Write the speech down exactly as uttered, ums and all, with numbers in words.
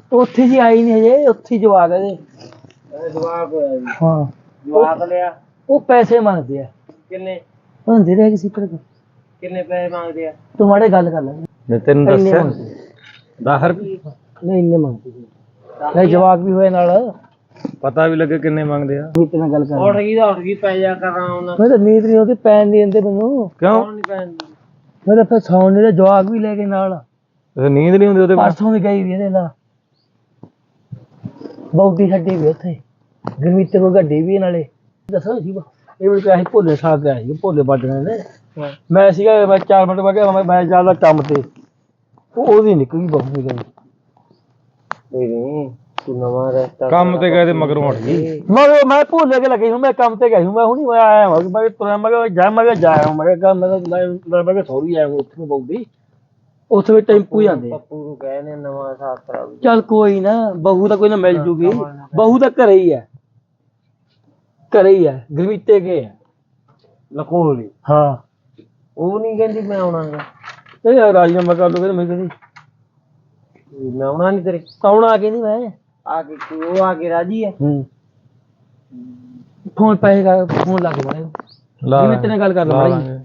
ਉੱਥੇ ਜੀ ਆਈ ਨਹੀਂ ਹਜੇ, ਉੱਥੇ ਹੀ ਜਵਾਕ ਇਹਦੇ ਜਵਾਕ ਹੋਇਆ ਜੀ। ਹਾਂ ਜਵਾਕ ਲਿਆ। ਉਹ ਪੈਸੇ ਮੰਗਦੇ ਆ। ਕਿੰਨੇ ਹੁੰਦੇ ਰਹੇ ਕਿਸੇ ਪਰ ਕਿੰਨੇ ਪੈਸੇ ਮੰਗਦੇ ਆ? ਤੂੰ ਮਾੜੇ ਗੱਲ ਕਰ ਲੈ। ਤੈਨੂੰ ਦੱਸਿਆ ਦਸ ਰੁਪਏ ਨਹੀਂ ਇੰਨੇ ਮੰਗਦੇ ਜਵਾਕ ਵੀ ਹੋਏ ਨਾਲ ਪਤਾ ਵੀ ਲੱਗੇ ਕਿੰਨੇ ਮੰਗਦੇ ਆ। ਨੀਤ ਨਾਲ ਗੱਲ ਕਰ ਉੱਠ ਗਈ ਤਾਂ ਉੱਠ ਗਈ ਪੈ ਜਾ ਕਰਾਂ ਉਹਨਾਂ ਮੈਂ ਤਾਂ ਨੀਂਦ ਨਹੀਂ ਉਹਦੀ ਪੈਣ ਨਹੀਂ ਦਿੰਦੇ ਮੈਨੂੰ। ਕਿਉਂ ਨਹੀਂ ਪੈਣ ਮੈਂ ਤਾਂ ਫਿਰ ਸੌਣ ਨਹੀਂ ਜਵਾਕ ਵੀ ਲੈ ਕੇ ਨਾਲ ਨੀਂਦ ਨਹੀਂ ਹੁੰਦੀ ਉਹਦੇ ਪਰਸੋਂ ਵੀ ਗਈ ਵੀ ਇਹਦੇ ਨਾਲ ਬਹੁਤੀ ਛੱਡੀ ਵੀ ਉੱਥੇ ਗਰਮੀ ਤੇ ਕੋਈ ਗੱਡੀ ਵੀ ਨਾਲੇ ਦੱਸੋ ਜੀ ਇਹ ਵੀ ਅਸੀਂ ਭੋਲੇ ਸਾਹ ਕੇ ਆਏ ਸੀ ਭੋਲੇ ਵੱਢਣੇ ਨੇ ਮੈਂ ਸੀਗਾ ਮੈਂ ਚਾਰ ਮਿੰਟ ਬਾਅਦ ਮੈਂ ਮੈਂ ਚੱਲਦਾ ਕੰਮ ਤੇ ਉਹ ਉਹਦੀ ਨਿਕਲੀ ਬਹੁਤ ਨਿਕਲੀ ਨਹੀਂ ਤੂੰ ਨਵਾਂ ਰਸਤਾ ਕੰਮ ਤੇ ਗਏ ਤੇ ਮਗਰੋਂ ਉੱਠ ਗਈ। ਮਗਰ ਮੈਂ ਭੋਲੇ ਕੇ ਲੱਗੀ ਹੂੰ ਮੈਂ ਕੰਮ ਤੇ ਗਿਆ ਹੂੰ ਮੈਂ ਹੁਣੀ ਮੈਂ ਆਇਆ ਹਾਂ ਮੈਂ ਤੁਰਿਆ ਮੈਂ ਜਾ ਮੈਂ ਜਾ ਆਇਆ ਮੈਂ ਕਿਹਾ ਮੈਂ ਮੈਂ ਮੈਂ ਸੌਰੀ ਆਇਆ ਉੱਥੇ ਬਹੁਤੀ ਉੱਥੇ ਵੀ ਟੈਂਪੂ ਜਾਂਦੇ ਪੱਪੂ ਨੂੰ ਕਹੇ ਨੇ ਨਵਾਂ ਸਾਥ ਕਰਾ। ਚੱਲ ਕੋਈ ਨਾ ਬਹੂ ਤਾਂ ਕੋਈ ਨਾ ਮਿਲ ਜੂਗੀ ਬਹੂ ਤਾਂ ਘਰੇ ਹੀ ਹੈ ਘਰੇ ਹੀ ਹੈ ਗਰਮੀਤੇ ਕੇ ਹੈ ਲਖੋਲੀ। ਹਾਂ ਉਹ ਨਹੀਂ ਕਹਿੰਦੀ ਮੈਂ ਆਉਣਾ ਇਹ ਰਾਜੀਨਾਮਾ ਕਰ ਲਓ ਮੈਂ ਕਹਿੰਦੀ ਮੈਂ ਆਉਣਾ ਨਹੀਂ ਤੇਰੇ ਆਉਣਾ ਕਿ ਨਹੀਂ ਮੈਂ ਆ ਕੇ ਉਹ ਆ ਕੇ ਰਾਜੀ ਹੈ। ਹੂੰ ਫੋਨ ਪੈਸੇ ਫੋਨ ਲਾ ਕੇ ਬਣਾ ਜਿਵੇਂ ਤੇਰੇ ਨਾਲ ਗੱਲ ਕਰ ਲਾ